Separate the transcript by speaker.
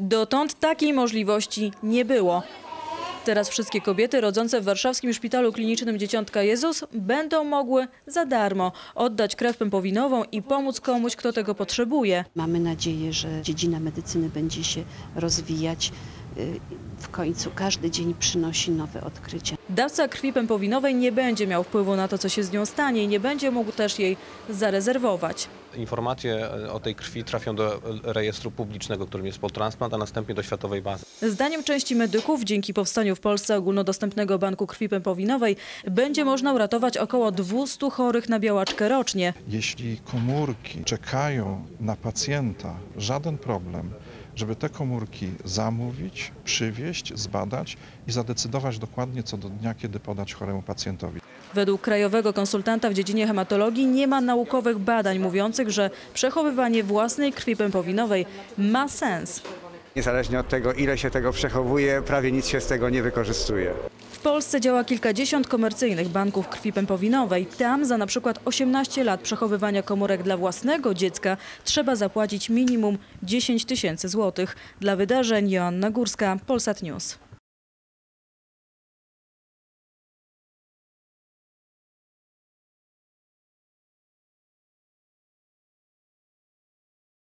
Speaker 1: Dotąd takiej możliwości nie było. Teraz wszystkie kobiety rodzące w warszawskim Szpitalu Klinicznym Dzieciątka Jezus będą mogły za darmo oddać krew pępowinową i pomóc komuś, kto tego potrzebuje.
Speaker 2: Mamy nadzieję, że dziedzina medycyny będzie się rozwijać. W końcu każdy dzień przynosi nowe odkrycia.
Speaker 1: Dawca krwi pępowinowej nie będzie miał wpływu na to, co się z nią stanie i nie będzie mógł też jej zarezerwować.
Speaker 3: Informacje o tej krwi trafią do rejestru publicznego, którym jest Poltransplant, a następnie do światowej bazy.
Speaker 1: Zdaniem części medyków, dzięki powstaniu w Polsce ogólnodostępnego banku krwi pępowinowej, będzie można uratować około 200 chorych na białaczkę rocznie.
Speaker 4: Jeśli komórki czekają na pacjenta, żaden problem, żeby te komórki zamówić, przywieźć, zbadać i zadecydować dokładnie co do dnia, kiedy podać choremu pacjentowi.
Speaker 1: Według krajowego konsultanta w dziedzinie hematologii nie ma naukowych badań mówiących, że przechowywanie własnej krwi pępowinowej ma sens.
Speaker 5: Niezależnie od tego, ile się tego przechowuje, prawie nic się z tego nie wykorzystuje.
Speaker 1: W Polsce działa kilkadziesiąt komercyjnych banków krwi pępowinowej. Tam za na przykład 18 lat przechowywania komórek dla własnego dziecka trzeba zapłacić minimum 10 000 złotych. Dla wydarzeń Joanna Górska, Polsat News.